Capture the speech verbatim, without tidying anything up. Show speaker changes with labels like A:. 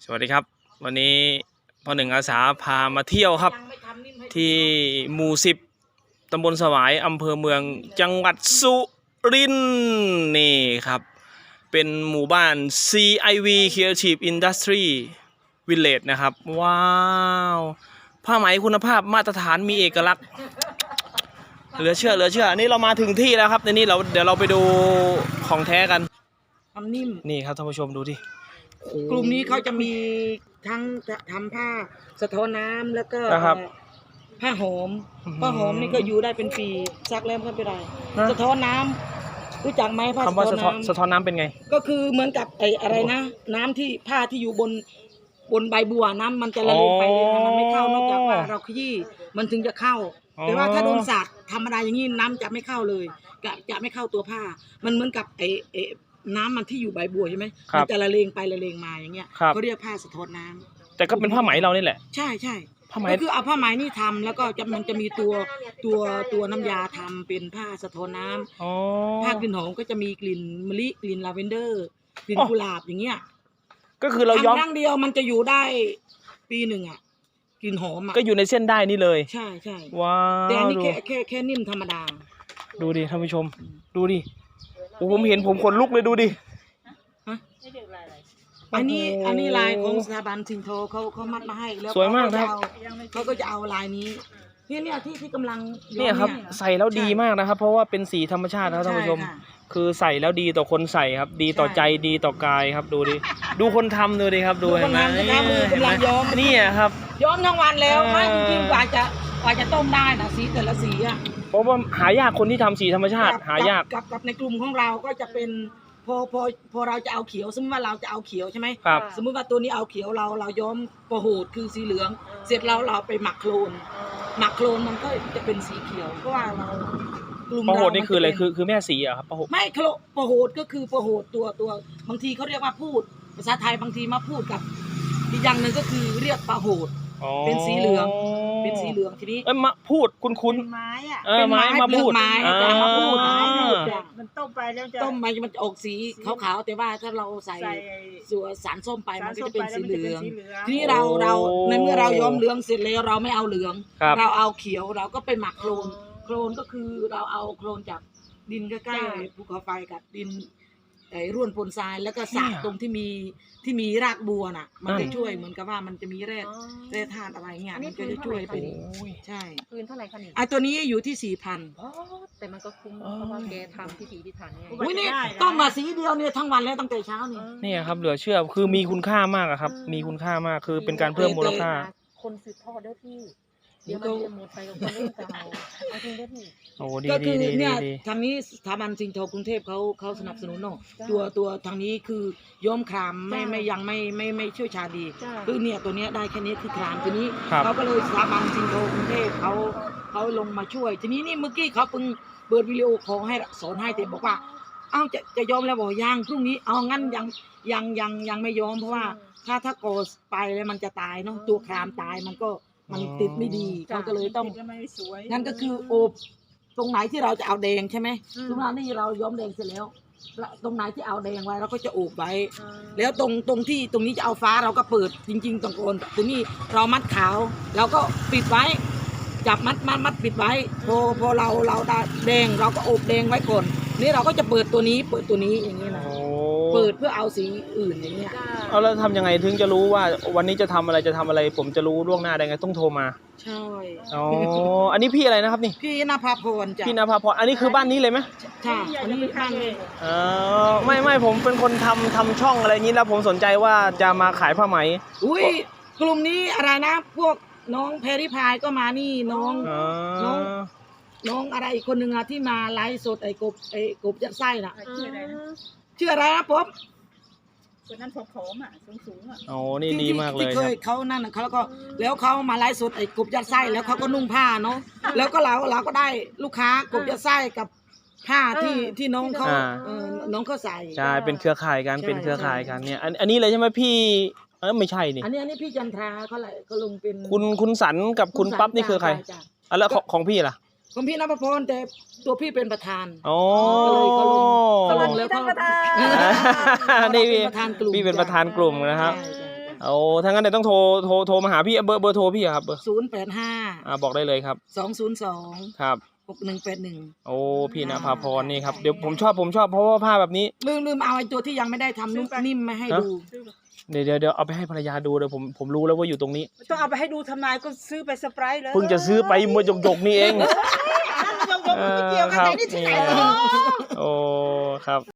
A: สวัสดีครับวันนี้พ่อหนึ่งอาสาพามาเที่ยวครับที่หมู่สิบตำบลสวายอำเภอเมืองจังหวัดสุรินทร์นี่ครับเป็นหมู่บ้าน ซี ไอ วี Creative Industry Village นะครับว้าวผ้าไหมคุณภาพมาตรฐานมีเอกลักษณ์เหลือเชื่อเหลือเชื่อนี่เรามาถึงที่แล้วครับในนี้เราเดี๋ยวเราไปดูของแท้กัน
B: ทำนิ่ม
A: นี่ครับท่านผู้ชมดูดิ
B: กลุ่มนี้เขาจะมีทั้งทำผ้าสะท้อนน้ำแล้วก็ผ้าหอมผ้าหอมนี่ก็อยู่ได้เป็นปีซักแล้วก็ไม่ได้สะท้อนน้ำรู้จักไหมผ้าสะท้อนน้ำ
A: สะท้อนน้ำเป็นไง
B: ก็คือเหมือนกับไอ้อะไรนะน้ำที่ผ้าที่อยู่บนบนใบบัวน้ำมันจะละลงไปเลยมันไม่เข้านอกจากว่าเราขยี้มันถึงจะเข้าแต่ว่าถ้าโดนสาดธรรมดาอย่างนี้น้ำจะไม่เข้าเลยจะจะไม่เข้าตัวผ้ามันเหมือนกับไอ้ไอ้น้ำมันที่อยู่ใบบัวใช่ไหมมันจะละเลงไปละเลงมาอย่างเงี้ยเขาเรียกผ้าสะท้อนน้ำ
A: แต่ก็เป็นผ้าไหมเรานี่แหละ
B: ใช่ใช่ก็คือเอาผ้าไหมนี่ทำแล้วก็จะมันจะมีตัวตัวตัวน้ำยาทำเป็นผ้าสะท้อนน้ำผ้ากลิ่นหอมก็จะมีกลิ่นมะลิกลิ่นลาเวนเดอร์กลิ่นกุหลาบอย่างเงี้ย
A: ก็คือเราย้อม
B: ครั้งเดียวมันจะอยู่ได้ปีหนึ่งอ่ะกลิ่นหอมอ่ะ
A: ก็อยู่ในเส้นได้นี่เลย
B: ใช่ใช่
A: ว้าว
B: แต่อันนี้แค่แค่แค่นิ่มธรรมดา
A: ดูดิท่านผู้ชมดูดิโอ้ผมเห็นผมขนลุกเลยดูดิ
B: อันนี้อันนี้ลายของสถาบันสิงโตเขาเขามัดมาให้แล้ว
A: สวยมากครับ
B: เขาก็จะเอาลายนี้เนี่ยเนี่ยที่ที่กำลัง
A: เนี่ยครับใส่แล้วดีมากนะครับเพราะว่าเป็นสีธรรมชาติครับท่านผู้ชมคือใส่แล้วดีต่อคนใส่ครับดีต่อใจดีต่อกายครับดูดิดูคนทำดูดิครับดูเห็นไหม
B: กำลังย้อม
A: นี่ครับ
B: ย้อมทั้งวันแล้วไม่จริงๆกว่าจะกว่าจะต้มได้นะสีแต่ละสีอ่ะ
A: เพราะว่าหายากคนที่ทำสีธรรมชาติหายาก
B: กับกับในกลุ่มของเราก็จะเป็นพอพอพอเราจะเอาเขียวสมมติว่าเราจะเอาเขียวใช่ไหม
A: ครับ
B: สมมติว่าตัวนี้เอาเขียวเราเราย้อมประโหดคือสีเหลืองเสร็จเราเราไปหมักโคลนหมักโคลนมันก็จะเป็นสีเขียวเพราะว่าเรา
A: กลุ่มเราประโหดนี่คืออะไรคือคือแม่สีอะครับประโหด
B: ไม่โคลประโหดก็คือประโหดตัวตัวบางทีเขาเรียกว่าพูดภาษาไทยบางทีมาพูดกับอีกอย่างหนึ่งก็คือเรียกประโหดเป็นสีเหลืองเป็นสีเหลืองทีนี้
A: เอ้ยมาพูดคุณคุณ
B: ไม้อะ
A: เป็นไม้มาพูด
B: ไม้จะมาพูด
C: มันต้มไปแล้วจะ
B: ต้มไปมันจะออกสีขาวๆแต่ว่าถ้าเราใส่ส่วนสารส้มไปมันก็จะเป็นสีเหลืองทีนี้เราเราในเมื่อเราย้อมเหลืองเสร็จแล้วเราไม่เอาเหลืองเราเอาเขียวเราก็ไปหมักโคลนโคลนก็คือเราเอาโคลนจากดินใกล้ๆภูเขาไฟกับดินไอ้ร่วนปนทรายแล้วก็สาดตรงที่มีที่มีรากบัวน่ะมันจะช่วยเหมือนกับว่ามันจะมีแร่แร่ธาตุอะไรเงี้ยมันก็จะช่วยเป็นใช่
C: คืนเท่าไหร่คะนี่
B: ไอ้ตัวนี้อยู่ที่สี่พัน
C: แต่มันก็คุ้มเพราะว่าแกทำพิถีพิถันเนี่ย
B: อุ้ยนี่ต้องมาสีเดียวเนี่ยทั้งวันแล้วตั้งแต่เช้านี่
A: นี่ครับเหลือเชื่อคือมีคุณค่ามากครับมีคุณค่ามากคือเป็นการเพิ่มมูลค่า
C: คนสืบทอดด้วยพี่เดี๋ยวมันจะหมดไปกับคนรุ่นเก่าเอาจริงด้วยพี่
A: โอ้ดี
B: ก็คือ
A: ดี
B: เนี่ยทางนี้สถาบันสิงโตกรุงเทพเขาเขาสนับสนุนเนาะตัวตัวทางนี้คือย้อมครามไม่ไม่ยังไม่ไม่ไม่เชี่ยวชาญดีคือเนี่ยตัวเนี้ยได้แค่นี้คือครามทีนี้เขาก็เลยสถาบันสิงโตกรุงเทพเขาเขาลงมาช่วยทีนี้นี่เมื่อกี้เขาเพิ่งเปิดวิดีโอขอให้สอนให้แต่บอกว่าเอ้าจะจะยอมแล้วบอกยังพรุ่งนี้เอางั้นยังยังยังยังไม่ยอมเพราะว่าถ้าถ้าโกสไปแล้วมันจะตายเนาะตัวครามตายมันก็มันติดไม่ดีเขาก็เลยต้องงั้นก็คือโอบตรงไหนที่เราจะเอาแดงใช่ไหมตรงนั้นนี่เราย้อมแดงเสร็จแล้วตรงไหนที่เอาแดงไว้เราก็จะโอบไว้แล้วตรงตรงที่ตรงนี้จะเอาฟ้าเราก็เปิดจริงๆตรงโคนตรงนี้เรามัดขาวเราก็ปิดไว้จับมัดมัดมัดปิดไว้พอพอเราเราแดงเราก็โอบแดงไว้ก่อนนี่เราก็จะเปิดตัวนี้เปิดตัวนี้อย่างนี้นะเปิดเพื่อเอาสีอื่นอย่างเงี้ย
A: เอาแล้วทำยังไงถึงจะรู้ว่าวันนี้จะทำอะไรจะทำอะไรผมจะรู้ล่วงหน้าได้ไงต้องโทรมา
B: ใช่
A: อ๋ออันนี้พี่อะไรนะครับนี่
B: พี่นภาพรจ้ะ
A: พี่นภาพรอันนี้คือบ้านนี้เลยไหม
B: ใช่อันนี้บ้านนี้
A: อ๋อไม่ไม่ผมเป็นคนทำทำช่องอะไรนี้แล้วผมสนใจว่าจะมาขายผ้าไหม
B: อุ้ยกลุ่มนี้อะไรนะพวกน้องแพรรี่พายก็มานี่น้องน้องน้องอะไรอีกคนหนึ่งอะที่มาไลฟ์สดไอ้กบไอ้กบยัดไส้น่ะชื่ออะไรนะป๊อบ
C: คนนั้นผอมๆอ่ะสูงๆอ่ะ
A: โอ้นี่ดีมากเลย
B: ที่เคยเขานั่นเขาแล้วก็แล้วเขามาไลฟ์สดไอ้กบยัดไส้แล้วเขาก็นุ่งผ้าเนาะแล้วก็เราเราก็ได้ลูกค้ากบยัดไส้กับผ้าที่ที่น้องเขาน้องเขาใส่
A: ใช่เป็นเครือข่ายกันเป็นเครือข่ายกันเนี่ยอันอันนี้เลยใช่ไหมพี่เออไม่ใช่นี่
B: อันนี้อันนี้พี่จันทราเขาเลยก็ลงเป็น
A: คุณคุณสันกับคุณปั๊บนี่คือใครอ่ะแล้วของพี่ล่ะ
B: ของพี่นภพรแต่ตัวพี่เป็นประธาน
A: โอ้
B: ก็เลยเขาลงเขาลงแล้วเขา
A: นี่พี่พี่เป็นประธานกลุ่มนะครับโอ้ถ้างั้นเดี๋ยวต้องโทรโทรโทรมาหาพี่เบอร์เบอร์โทรพี่อะครับเบอร์
B: ศูนย์แปดห้า
A: อ่าบอกได้เลยครับ
B: สองศูนย์สอง
A: ครับ
B: หกหนึ่งแปดหนึ่ง
A: โอ้พี่ณภาพรนี่ครับเดี๋ยวผมชอบผมชอบเพราะว่าผ้าแบบนี้
B: ลืมลืมเอาไอ้ตัวที่ยังไม่ได้ทำนุ่มนิ่มมาให้ดู
A: เดี๋ยวเดี๋ยวเดี๋ยวเอาไปให้ภรรยาดูเดี๋ยวผมผมรู้แล้วว่าอยู่ตรงนี้
D: ต้องเอาไปให้ดูทำนายก็ซื้อไปสไปร์เลย
A: เพิ่งจะซื้อไปเมื่อหยกๆนี่เอง
D: ยกๆไม่เกี่ยวกันไหนนี่ที่ไหน
A: โอ้ครับ